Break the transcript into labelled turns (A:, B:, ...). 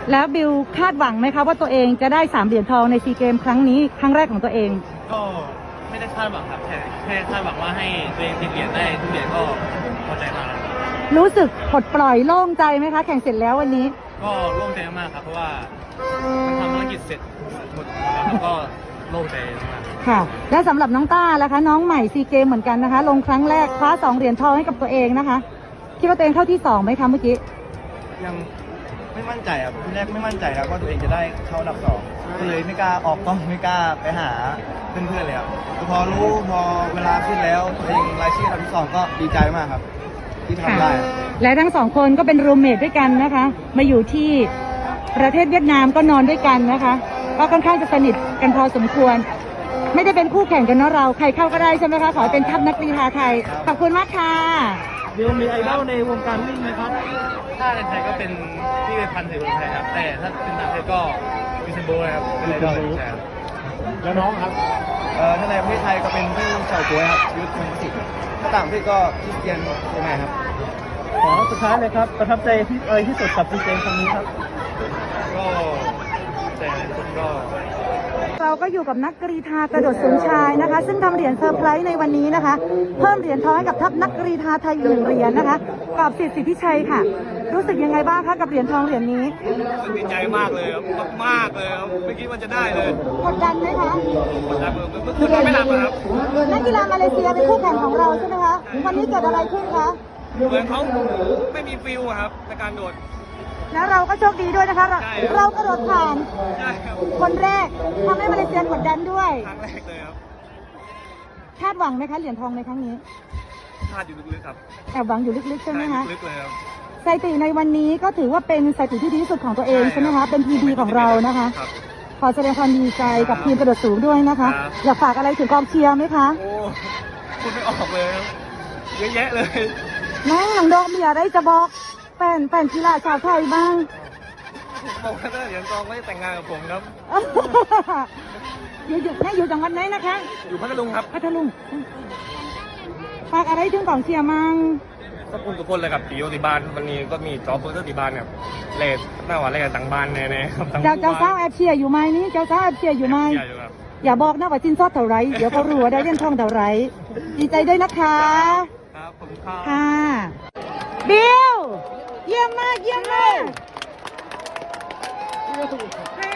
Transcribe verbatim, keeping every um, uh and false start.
A: แล้วบิวคาดหวังไหมคะว่าตัวเองจะได้สามเหรียญทองในซีเกมครั้งนี้ครั้งแรกของตัวเอง
B: ก็ไม่ได้คาดหวังครับแค่แค่คาดหวังว่าให้ตัวเองติดเหรียญได้ทุกเหรียญก็พอใจมากแล้ว
A: รู้สึกปลดปล่อยโล่งใจไหมคะแข่งเสร็จแล้ววันนี้
B: ก็โล่งใจมากครับเพราะว่ามันทำภารกิจเสร็จหมดแล้วก็โล่งใจมาก
A: ค่ะและสำหรับน้องต้าล่ะคะน้องใหม่ซีเกมเหมือนกันนะคะลงครั้งแรกคว้าสองเหรียญทองให้กับตัวเองนะคะคิดว่าตัวเองเข้าที่สองไหมคะเมื่อกี้
C: ยังไม่มั่นใจครับที่แรกไม่มั่นใจครับว่าตัวเองจะได้เข้าอันดับสองก็เลยไม่กล้าออกกล้องไม่กล้าไปหาเพื่อนๆเลยครับพอรู้พอเวลาขึ้นแล้วตัวเองรายชื่ออันดับที่สองก็ดีใจมากครับที่ทำได้
A: และทั้งสองคนก็เป็นรูมเมทด้วยกันนะคะมาอยู่ที่ประเทศเวียดนามก็นอนด้วยกันนะคะก็ค่อนข้างจะสนิทกันพอสมควรไม่ได้เป็นคู่แข่งกันเนาะเราใครเข้าก็ได้ใช่ไหมคะขอเป็นทัพนักกีฬาไทยขอบคุณมากค่ะ
D: บิวมีไอดอลในวงการวิ่งไหมครับ
B: ถ้าในไทยก็เป็นที่พันธุ์เสรีไทยครับแต่ถ้าเป็นต่างประเทศก็มิสโบนะครับเป็นไอดอลใช่ครับ
D: แล้วน้องครับ
C: เอ่อถ้าในประเทศไทยก็เป็นพี่เฉาก๊วยครับยุทธพงศ์สิทธิ์ถ้าต่างประเทศก็คริสเตียนโอแมนครับ
D: ขอสุดท้ายเลยครับประทับใจที่อะไรที่สุดกับซีเกมครั้งนี้ครับ
B: ก็แต่สุดก็
A: เราก็อยู่กับนักกรีฑากระโดดสูงชายนะคะซึ่งทำเหรียญเซอร์ไพรส์ในวันนี้นะคะเพิ่มเหรียญทองให้กับทัพนักกรีฑาไทยอีกหนึ่งเหรียญนะคะกับสิทธิ์สิทธิชัยค่ะรู้สึกยังไงบ้างคะกับเหรียญทองเหรียญนี้
B: ดีใจมากเลยครับมากเลยครับไม่คิดว่าจะได้เลย
A: กดดันไหมคะ
B: กดดันเมื่อคืนไม่หลับครับ
A: นักกีฬามาเลเซียเป็นคู่แข่งของเราใช่ไหมคะวันนี้เกิดอะไรขึ้นคะ
B: เหมือนเขาไม่มีฟิลครับในการโดด
A: แล้วเราก็โชคดีด้วยนะคะเรากระโดดผ่านคนแรกทำให้มาเลเซียกดดันด้วย
B: ครั้งแรกเลยครับ
A: คาดหวังไหมคะเหรียญทองในครั้งนี้
B: คาดอยู่ลึกๆครับ
A: แอบหวังอยู่ลึกๆใช่ไหมคะ
B: ลึกเลยครับ
A: สถิติในวันนี้ก็ถือว่าเป็นสถิติที่ดีที่สุดของตัวเองใช่ไหมคะเป็นพีดีของเรานะคะขอแสดงความดีใจกับทีมกระโดดสูงด้วยนะคะอยากฝากอะไรถึงกองเชียร์ไหมคะ
B: โอ้คุณไม่ออกเลยเยอะแยะเลย
A: น้องหลังดอกมีอะไรจะบอกแฟนแฟนกีฬาชาวไทยบ้าง
B: บอกว่าถ้าเหรียญทองไม่แต่งงานกับผมครับ
A: อยู่อยู่ให้อยู่จังหวัดไหนนะคะ
B: อยู่พัทลุงครับ
A: พัทลุงฝากอะไรถึงกองเชียร์มั่ง
B: ก็คุณทุกคนเลยกับปีโอติบานวันนี้ก็มีจอเปอร์เตอร์ติบานเนี่ยเลดหน้าหวานเลดต่างบ้านแน่ๆครับ
A: เจ้าเจ้าสาวแอบเชียร์อยู่ไหมนี่เจ้าสาวแอบเชียร์อยู่ไหมอย่าบอกนะว่าจินซอดเท่าไรเดี๋ยวเขารู้ว่าได้เหรียญทองเท่าไรดีใจด้วยนะคะ
B: ครับผมค่ะ
A: ค่ะบิวเยี่ยมมากเยี่ยมมากให้